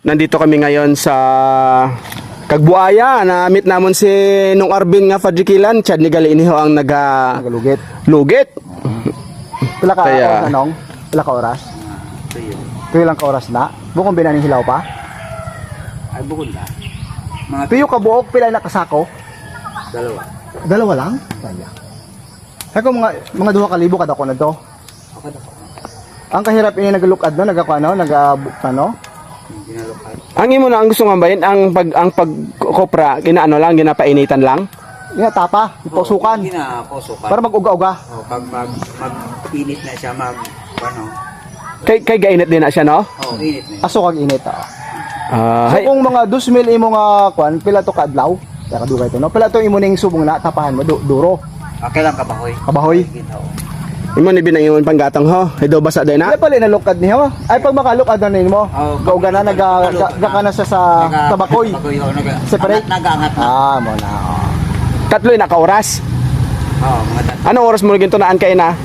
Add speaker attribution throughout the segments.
Speaker 1: Nandito kami ngayon sa Kagbuaya. Na-meet namon si Nung Arvin nga Fadrikilan. Chad ni gali iniho ang
Speaker 2: Nagalugit.
Speaker 1: lugit.
Speaker 2: Pila ka
Speaker 1: Kaya-
Speaker 2: oras anong? Pila ka oras? Tuyo lang ka oras na. Bukong binaning hilaw pa.
Speaker 3: Ay, bukod na. Mga
Speaker 2: Tuyo ka buok pila na kasako.
Speaker 3: dalawa.
Speaker 2: Dalawa lang. Kaya. Ako mga 2,000 kada ko na to.
Speaker 3: Okay na po.
Speaker 2: Ang kahirap ini nagalukad no, nagano.
Speaker 3: Ginalukad.
Speaker 1: Ang imo na ang gusto nga bayin ang pagkopra ginaano lang ginapainitan lang.
Speaker 2: Ina tapa, ipusukan
Speaker 3: Ginaposukan.
Speaker 2: para mag-uga-uga.
Speaker 3: Pag mag-init na siya, ano?
Speaker 1: Kay gainit din na siya no.
Speaker 3: Init na.
Speaker 2: Aso kag init. So
Speaker 1: Hay,
Speaker 2: kung mga 2,000 imo nga kwan, pila to ka adlaw? Kaya kadugay to no. Pila to imo ning subong na tapahan mo duro.
Speaker 3: Okay lang kabahoy.
Speaker 2: Kabahoy.
Speaker 3: Ginaw.
Speaker 1: imo ni binangingon panggatang ho. Hay daw basa day na.
Speaker 2: Pila pala nalukad niyo. Ay pag makalukad na nimo.
Speaker 3: Oh,
Speaker 2: Kauga na ka na sa tabakoy.
Speaker 3: Tabakoy,
Speaker 2: Separate?
Speaker 3: Nag-angat na.
Speaker 2: Mo na.
Speaker 1: Tatlo na ka oras.
Speaker 3: Mga dati.
Speaker 1: Ano oras mo ginto naan kay na?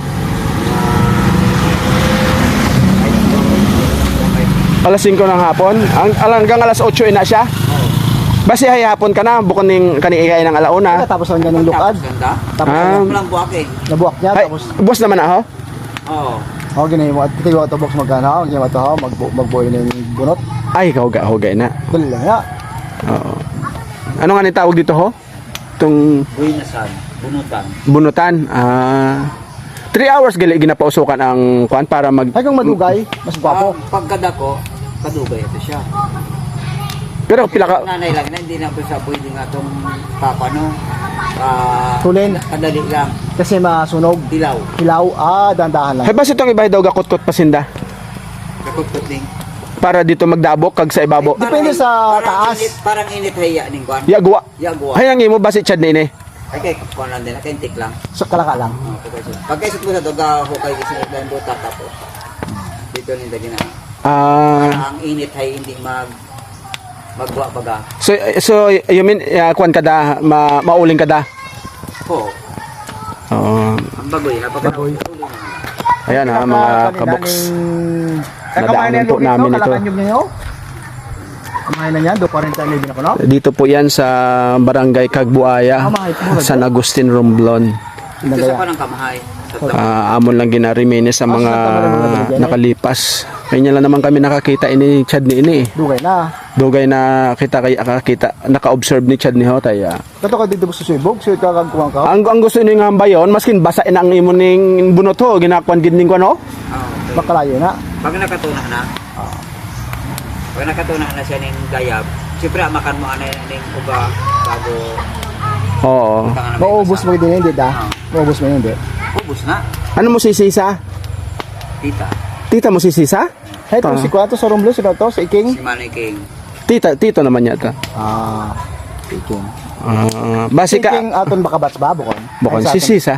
Speaker 1: Alas 5 ng hapon. Hanggang alas 8 na siya. Basi hay hapon ka na bukod ning kani ikay ng alauna.
Speaker 2: Tapos ang ganing lukad.
Speaker 3: Ganda.
Speaker 2: Tapos
Speaker 3: Walang buwak eh.
Speaker 2: nabuak niya
Speaker 1: Hay,
Speaker 2: tapos
Speaker 1: boss naman na ho.
Speaker 3: Oo.
Speaker 2: ginawa mo at tigo to box magana, ginawa to magboy ning bunot.
Speaker 1: Ay kauga na.
Speaker 2: Dali lang ya.
Speaker 1: Oo. Ano nga ni tawag dito ho? Tung
Speaker 3: Buinasan. Bunutan.
Speaker 1: bunutan. 3 hours gali ginapausukan ang kuan para mag
Speaker 2: Ay kung madugay, mas gwapo.
Speaker 3: Pagkada ko, kadugay ito siya.
Speaker 1: pero pila ka
Speaker 3: Nanay lang na, hindi na po siya pwede nga itong papano.
Speaker 2: Tulin.
Speaker 3: Kadali lang.
Speaker 2: Kasi masunog.
Speaker 3: Dilaw.
Speaker 2: Hilaw, dandahan lang.
Speaker 1: hay basi itong ibay daw gakutkot pasinda
Speaker 3: Kakukot ding.
Speaker 1: para dito magdabok kag sa ibabo.
Speaker 2: Depende sa taas.
Speaker 3: Parang init haya ning kwan.
Speaker 1: Yagwa.
Speaker 3: Yagwa.
Speaker 1: Hay ang imo basi chad ni ini.
Speaker 3: Ay kay kwan lang din, kentik lang.
Speaker 2: So kalaka lang.
Speaker 3: Pagkaisip ko sa doga hukay kasi lang buta tapos. Dito ni dagina.
Speaker 1: Ah,
Speaker 3: Ang init hay hindi magwa baga.
Speaker 1: so you mean kuan kada mauling kada.
Speaker 3: Ko,
Speaker 1: Oo.
Speaker 3: ang bagoy ha pag
Speaker 2: Bagoy.
Speaker 1: Ayan ha mga kaboks. Nadaanan po namin ito.
Speaker 2: Kalakanyog niyo. Kumain na niyan, 2:40 na ko no.
Speaker 1: Dito po yan sa Barangay Kagbuaya, San Agustin, Romblon.
Speaker 3: ito sa panang kamahay. Sa
Speaker 1: Amon lang ginariminis sa mga nakalipas. Kanya lang naman kami nakakita ini Chad ni ini.
Speaker 2: Dugay na.
Speaker 1: Dugay na nakakita, naka-observe ni Chad ni Hotay.
Speaker 2: Kato ka dito gusto subog, so ito kang kuwang ka.
Speaker 1: Ang gusto ni nga bayon, maskin basa na ang imo ning bunot ho, ginakuan gid ning kuno.
Speaker 3: okay.
Speaker 2: Makalayo na.
Speaker 3: Pag nakatuna na. Pag nakatuna na siya ning gayab, siyempre makan mo ana ning uga bago
Speaker 1: Oo.
Speaker 2: Maubos mo din hindi da. Maubos mo hindi.
Speaker 3: ubos na.
Speaker 1: Ano mo sisisa?
Speaker 3: Tita,
Speaker 1: Tita mo sisisa?
Speaker 2: Hey, to si Kuwato sa Romblo, si Kato, si Iking.
Speaker 3: si Manny King.
Speaker 1: Tito naman yata.
Speaker 2: Iking.
Speaker 1: Basi ka
Speaker 2: Iking aton baka bats ba bukon?
Speaker 1: bukon
Speaker 2: Ay, sa
Speaker 1: si Sisa.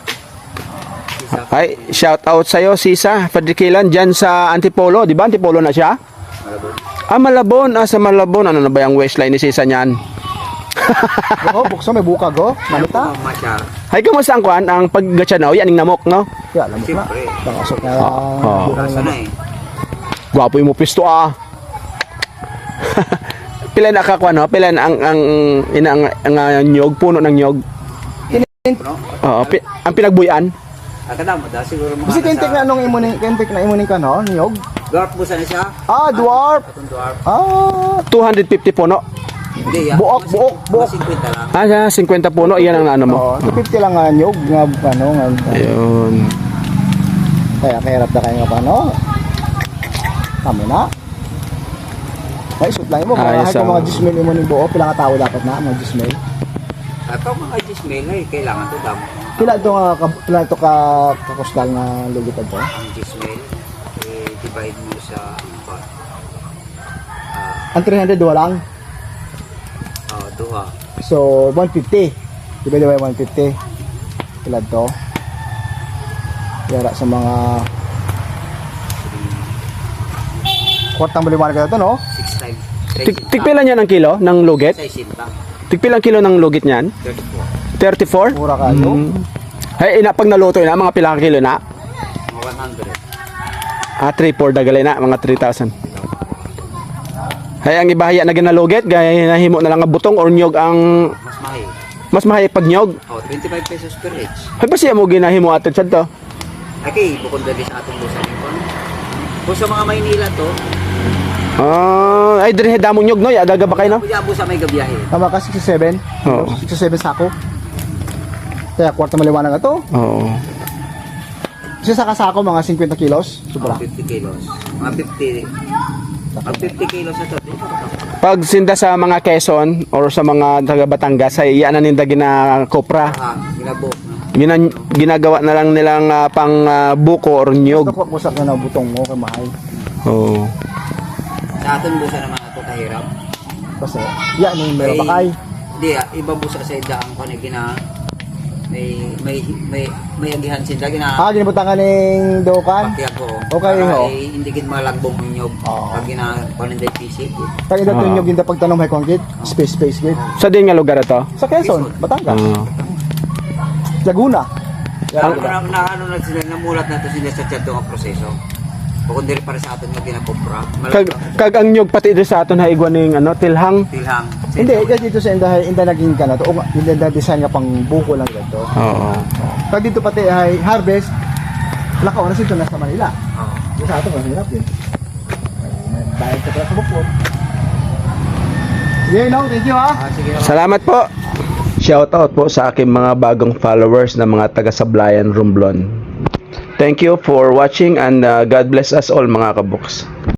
Speaker 1: Ay, shout out sa'yo, Sisa. Fadrikilan dyan sa Antipolo. Di ba? Antipolo na siya?
Speaker 3: Malabon.
Speaker 1: Malabon. Sa Malabon. Ano na ba yung waistline ni Sisa niyan?
Speaker 2: aton. Go, bukso may buka go. Malita.
Speaker 3: Masyar.
Speaker 1: Hay, kamusta ang kuhan? Ang paggatsanaw, yan ang namok, no?
Speaker 2: Ya, lamok na.
Speaker 3: Siyempre.
Speaker 2: Tangasok na.
Speaker 3: Kasa na eh.
Speaker 1: Gwapo yung mo pisto, ah. Pila na kakuha, no? Pila na ang nyog, puno ng nyog.
Speaker 3: No?
Speaker 1: Oo, ang pinagbuyan.
Speaker 3: Akala mo da siguro mga
Speaker 2: Kasi kentik na anong imuning, kentik na imuning ka no, niyog.
Speaker 3: Dwarf mo sana siya.
Speaker 2: Dwarf.
Speaker 3: Atong dwarf.
Speaker 1: 250 puno.
Speaker 3: Hindi,
Speaker 2: Buok.
Speaker 3: Mas 50 lang.
Speaker 1: 50 puno, iyan ang ano mo.
Speaker 2: 250 lang nga niyog, nga ano, nga.
Speaker 1: Ayun.
Speaker 2: Kaya kahirap na kayo nga pa, no? Kami na. May isot lang mo,
Speaker 1: Ayos,
Speaker 2: kahit mga 10 imuning buo, pila ka tao dapat na, mga 10.
Speaker 3: Ato mga Gismail ay kailangan to dam.
Speaker 2: Pila ito ka kakustal na lugitan to?
Speaker 3: Ang Gismail divide mo sa what?
Speaker 2: Ang 300 lang.
Speaker 3: Duha.
Speaker 2: So, 150. Diba 150? Pila to? Yara sa mga kwartang baliwanag ka ito, no?
Speaker 3: 6 times.
Speaker 1: Tigpilan niya ng kilo ng lugit?
Speaker 3: 60.
Speaker 1: Tigpilang kilo ng lugit niyan? 34?
Speaker 3: 34.
Speaker 2: Mura ka, no?
Speaker 1: Ay, pag naluto na, mga pilang kilo na?
Speaker 3: Mga 100.
Speaker 1: 3-4 dagalay na, mga 3,000. Ay ang ibahaya na ginalugit, gaya nahimo na lang nga butong or nyog ang
Speaker 3: Mas mahi.
Speaker 1: mas mahay pag nyog.
Speaker 3: 25 pesos per each.
Speaker 1: Ay ba siya mo ginahimo atid sad to?
Speaker 3: Okay, bukod dali sa atong busa ni kon. Kung sa mga Maynila to,
Speaker 1: Ay dire damo nyog no, ya daga ba kayo no?
Speaker 3: kuya busa may gabiyahe.
Speaker 2: Tama ka 67.
Speaker 1: Oo.
Speaker 2: 67 sako. Kaya kwarta maliwanag na to.
Speaker 1: Oo.
Speaker 2: Isa sa kasako mga 50 kilos. Sobra.
Speaker 3: 50 kilos. Mga 50. Pag 50 kilos na to,
Speaker 1: Pag sinda sa mga Quezon or sa mga taga Batangas ay iyan na ninda gina kopra.
Speaker 3: ginabok. No?
Speaker 1: Ginagawa na lang nilang pang buko or nyog.
Speaker 2: Ito po sa na butong mo kay mahal.
Speaker 1: Oo.
Speaker 3: Sa aton busa naman ito kahirap.
Speaker 2: Kasi yan yung meron pa kay.
Speaker 3: Hindi, iba busa sa idaang ko na gina may agihan sila gina
Speaker 2: Ginibutan ka ng dokan.
Speaker 3: pati ako.
Speaker 2: Okay,
Speaker 3: Para
Speaker 2: ho.
Speaker 3: hindi gid malagbong ninyog.
Speaker 2: Oo.
Speaker 3: Pag gina paninday PC.
Speaker 2: Pag ito yung ginda pagtanong may concrete, space gate.
Speaker 1: Sa din nga lugar ito?
Speaker 2: Sa Quezon, Batangas,
Speaker 1: Oo.
Speaker 2: Laguna.
Speaker 3: Ano na ano na sila namulat na to sila sa chat ang proseso. Bukod diri para sa aton nga ginapopra.
Speaker 1: Kag ang nyog pati dito sa aton haigwan ning tilhang.
Speaker 3: Tilhang.
Speaker 2: Hindi, dito sa inda naging ka na to. Inda design nga pang buko lang dito.
Speaker 1: Oo.
Speaker 2: Pag dito pati ay harvest, lakaw na sito nasa Manila.
Speaker 3: Oo.
Speaker 2: Dito sa atin, mahirap yun. Bayad ka pala sa bukod. Sige, no? Thank you, ha?
Speaker 3: Sige.
Speaker 1: Salamat po. Shoutout po sa aking mga bagong followers na mga taga Sablayan, Romblon. Thank you for watching and God bless us all mga kabuks.